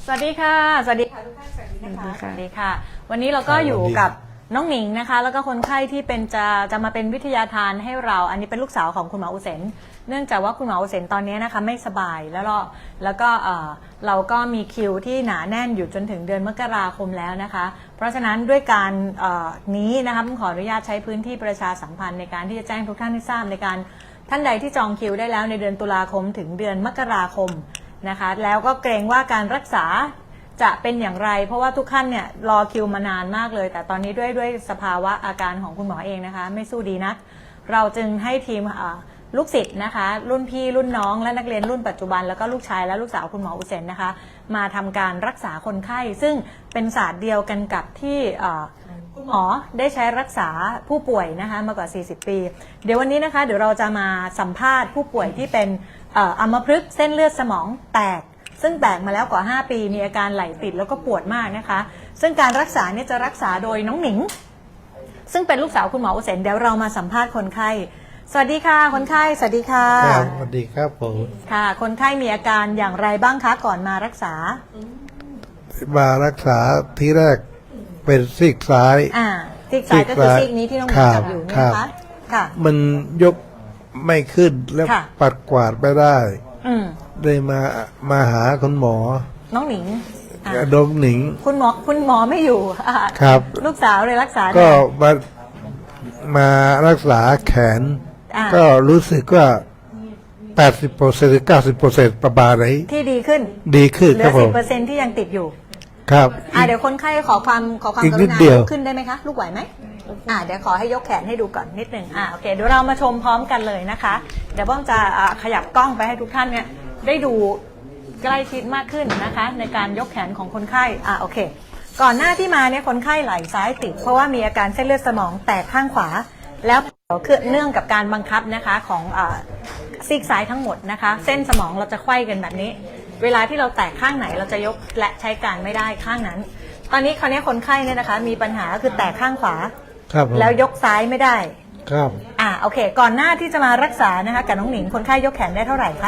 สวัสดีค่ะสวัสดีค่ะทุกท่านสวัสดีนะคะสวัสดีค่ะวันนี้เราก็อยู่กับน้องหนิงนะคะแล้วก็คนไข้ที่เป็นจะมาเป็นวิทยาทานให้เราอันนี้เป็นลูกสาวของคุณหมออุเซนเนื่องจากว่าคุณหมออุเซนตอนนี้นะคะไม่สบายแล้วก็เราก็มีคิวที่หนาแน่นอยู่จนถึงเดือนมกราคมแล้วนะคะเพราะฉะนั้นด้วยการนี้นะคะผมขออนุญาตใช้พื้นที่ประชาสัมพันธ์ในการที่จะแจ้งทุกท่านให้ทราบในการท่านใดที่จองคิวได้แล้วในเดือนตุลาคมถึงเดือนมกราคมนะคะแล้วก็เกรงว่าการรักษาจะเป็นอย่างไรเพราะว่าทุกท่านเนี่ยรอคิวมานานมากเลยแต่ตอนนี้ด้วยสภาวะอาการของคุณหมอเองนะคะไม่สู้ดีนักเราจึงให้ทีมลูกศิษย์นะคะรุ่นพี่รุ่นน้องและนักเรียนรุ่นปัจจุบันแล้วก็ลูกชายและลูกสาวคุณหมออุเซนนะคะมาทำการรักษาคนไข้ซึ่งเป็นศาสตร์เดียวกันกับที่คุณหมอได้ใช้รักษาผู้ป่วยนะคะมากว่า40ปีเดี๋ยววันนี้นะคะเดี๋ยวเราจะมาสัมภาษณ์ผู้ป่วยที่เป็นอัมพฤกษ์เส้นเลือดสมองแตกซึ่งแตกมาแล้วกว่า5ปีมีอาการไหลติดแล้วก็ปวดมากนะคะซึ่งการรักษาเนี่ยจะรักษาโดยน้องหนิงซึ่งเป็นลูกสาวคุณหมออุเซนเดี๋ยวเรามาสัมภาษณ์คนไข้สวัสดีค่ะคนไข้สวัสดีค่ะครับสวัสดีครับผมค่ะคนไข้มีอาการอย่างไรบ้างคะก่อนมารักษามารักษาที่แรกเป็นซีกซ้ายซีกซ้ายก็คือซีกนี้ที่น้องหนิงจับอยู่นะคะค่ะมันยกไม่ขึ้นแล้วปัดกวาดไม่ได้เลยมาหาคุณหมอน้องหนิงน้องหนิงคุณหมอไม่อยู่ครับลูกสาวเลยรักษาก็มารักษาแขนก็รู้สึกว่า80%หรือ90%ประมาณไหนที่ดีขึ้นเหลือ 10%ที่ยังติดอยู่ครับเดี๋ยวคนไข้ขอความกรุณาลุกขึ้นได้ไหมคะลูกไหวไหมเดี๋ยวขอให้ยกแขนให้ดูก่อนนิดหนึ่งโอเคเดี๋ยวเรามาชมพร้อมกันเลยนะคะเดี๋ยวป้อมจะขยับกล้องไปให้ทุกท่านเนี่ยได้ดูใกล้ชิดมากขึ้นนะคะในการยกแขนของคนไข้โอเคก่อนหน้าที่มาเนี่ยคนไข้ไหล่ซ้ายติดเพราะว่ามีอาการเส้นเลือดสมองแตกข้างขวาแล้วคือเนื่องกับการบังคับนะคะของซีกซ้ายทั้งหมดนะคะเส้นสมองเราจะไขว้กันแบบนี้เวลาที่เราแตกข้างไหนเราจะยกและใช้การไม่ได้ข้างนั้นตอนนี้คนไข้เนี่ยนะคะมีปัญหาคือแตกข้างขวาแล้วยกซ้ายไม่ได้ครับโอเคก่อนหน้าที่จะมารักษานะคะกับน้องหนิงคนไข้ยกแขนได้เท่าไหร่คะ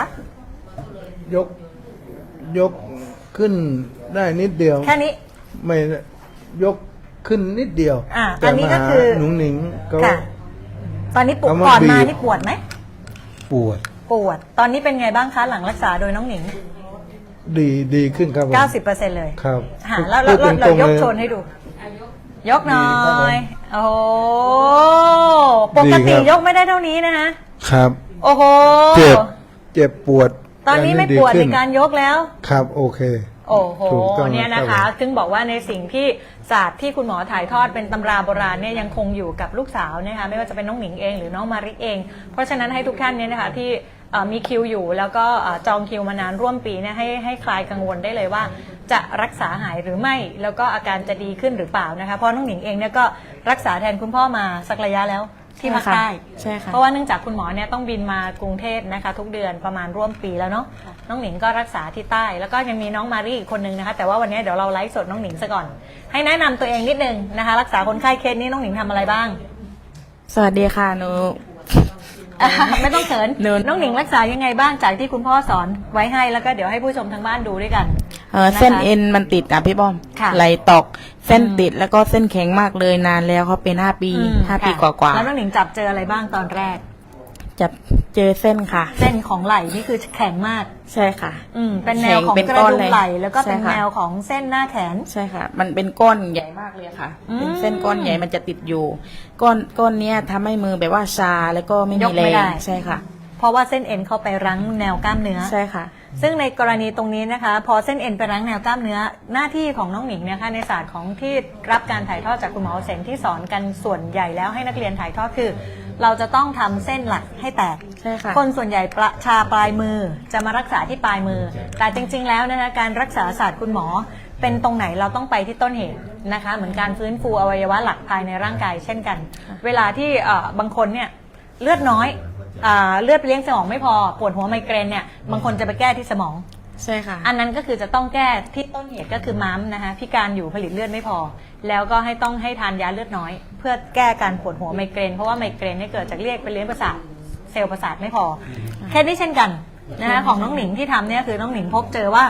ยกขึ้นได้นิดเดียวแค่นี้ไม่ยกขึ้นนิดเดียวอันนี้ก็คือหนุ่งหนิงก็ตอนนี้ปวดก่อนมานี่ปวดไหมปวดตอนนี้เป็นไงบ้างคะหลังรักษาโดยน้องหนิงดีขึ้นครับ 90%เลยครับแล้วเรายกโชนให้ดูยกหน่อยโอ้โหปกติยกไม่ได้เท่านี้นะคะครับโอ้โหเจ็บปวดตอนนี้ไม่ปวดในการยกแล้วครับโอเคโอ้โหเนี่ยนะคะถึงบอกว่าในสิ่งที่ศาสตร์ที่คุณหมอถ่ายทอดเป็นตำราโบราณเนี่ยยังคงอยู่กับลูกสาวนะคะไม่ว่าจะเป็นน้องหนิงเองหรือน้องมาริเองเพราะฉะนั้นให้ทุกท่านเนี่ยนะคะที่มีคิวอยู่แล้วก็จองคิวมานานร่วมปีเนี่ยให้คลายกังวลได้เลยว่าจะรักษาหายหรือไม่แล้วก็อาการจะดีขึ้นหรือเปล่านะคะเพราะน้องหนิงเองเนี่ยก็รักษาแทนคุณพ่อมาสักระยะแล้วที่ภาคใต้ใช่ค่ะเพราะว่าเนื่องจากคุณหมอเนี่ยต้องบินมากรุงเทพนะคะทุกเดือนประมาณร่วมปีแล้วเนาะน้องหนิงก็รักษาที่ใต้แล้วก็ยังมีน้องมารีอีกคนนึงนะคะแต่ว่าวันนี้เดี๋ยวเราไลฟ์สดน้องหนิงซะก่อนให้แนะนำตัวเองนิดนึงนะคะรักษาคนไข้เคสนี้น้องหนิงทำอะไรบ้างสวัสดีค่ะหนูไม่ต้องเขินน้องหนิงรักษายังไงบ้างจากที่คุณพ่อสอนไว้ให้แล้วก็เดี๋ยวให้ผู้ชมทางบ้านดูด้วยกันเส้นเอ็นมันติดอ่ะพี่ป้อมไหลตกเส้นติดแล้วก็เส้นแข็งมากเลยนานแล้วเขาเป็น5 ปีกว่าแล้วน้องหนิงจับเจออะไรบ้างตอนแรกจับเจอเส้นค่ะเส้นของไหล่นี่คือแข็งมากใช่ค่ะเป็นแนวของกระดูกไหล่แล้วก็เป็นแนวของเส้นหน้าแขนใช่ค่ะมันเป็นก้อนใหญ่มากเลยค่ะเป็นเส้นก้อนใหญ่มันจะติดอยู่ก้อนเนี้ยทำให้มือแบบว่าชาแล้วก็ไม่มีแรงใช่ค่ะเพราะว่าเส้นเอ็นเข้าไปรั้งแนวกล้ามเนื้อใช่ค่ะซึ่งในกรณีตรงนี้นะคะพอเส้นเอ็นไปรั้งแนวกล้ามเนื้อหน้าที่ของน้องหนิงเนี่ยค่ะในศาสตร์ของที่รับการถ่ายทอดจากคุณหมอเซนที่สอนกันส่วนใหญ่แล้วให้นักเรียนถ่ายทอดคือเราจะต้องทำเส้นหลักให้แตกใช่ค่ะคนส่วนใหญ่ชาปลายมือจะมารักษาที่ปลายมือแต่จริงๆแล้วนะคะการรักษาศาสตร์คุณหมอเป็นตรงไหนเราต้องไปที่ต้นเหตุนะคะเหมือนการฟื้นฟูอวัยวะหลักภายในร่างกายเช่นกันเวลาที่บางคนเนี่ยเลือดน้อยเลือดไปเลี้ยงสมองไม่พอปวดหัวไมเกรนเนี่ยบางคนจะไปแก้ที่สมองใช่ค่ะอันนั้นก็คือจะต้องแก้ที่ต้นเหตุก็คือม้ามนะคะพิการอยู่ผลิตเลือดไม่พอแล้วก็ต้องให้ทานยาเลือดน้อยเพื่อแก้การปวดหัวไมเกรนเพราะว่าไมเกรนเนี่ยเกิดจากเรียกไปเลี้ยงประสาทเซลล์ประสาทไม่พอแค่นี้เช่นกันนะคะของน้องหนิงที่ทำเนี่ยคือน้องหนิงพบเจอว่า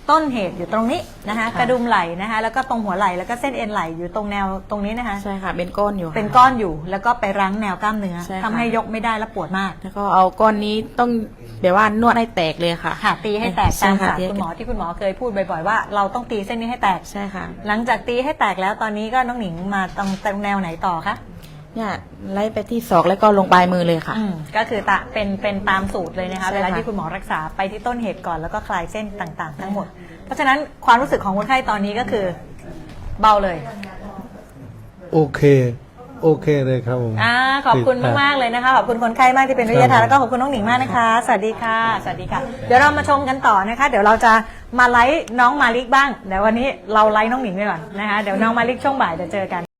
ต้นเหตุอยู่ตรงนี้นะคะกระดุมไหล่นะคะแล้วก็ตรงหัวไหล่แล้วก็เส้นเอ็นไหล่อยู่ตรงแนวตรงนี้นะคะใช่ค่ะเป็นก้อนอยู่ค่ะเป็นก้อนอยู่แล้วก็ไปรั้งแนวกล้ามเนื้อใช่ค่ะทำให้ยกไม่ได้และปวดมากแล้วก็เอาก้อนนี้ต้องแบบว่านวดให้แตกเลยค่ะค่ะตีให้แตกใช่ตามค่ะศาสตร์คุณหมอที่คุณหมอเคยพูดบ่อยๆว่าเราต้องตีเส้นนี้ให้แตกใช่ค่ะหลังจากตีให้แตกแล้วตอนนี้ก็น้องหนิงมาตรงแนวไหนต่อคะเนี่ยไล่ไปที่ศอกแล้วก็ลงปลายมือเลยค่ะก็คือเป็นตามสูตรเลยนะคะใช่ค่ะเวลาที่คุณหมอรักษาไปที่ต้นเหตุก่อนแล้วก็คลายเส้นต่างๆ ทั้งหมด เพราะฉะนั้นความรู้สึกของคนไข้ตอนนี้ก็คือเบาเลยโอเคเลยครับผมขอบคุณมากๆเลยนะคะขอบคุณคนไข้มากที่เป็นวิทยาทานแล้วก็ขอบคุณน้องหนิงมากนะคะ สวัสดีค่ะสวัสดีค่ะ เดี๋ยวเรามาชมกันต่อนะคะ เดี๋ยวเราจะมาไลฟ์น้องมาลิกบ้างเดี๋ยววันนี้เราไลฟ์น้องหนิงไปก่อนนะคะเดี๋ยวน้องมาลิกช่วงบ่ายเดี๋ยวเจอกัน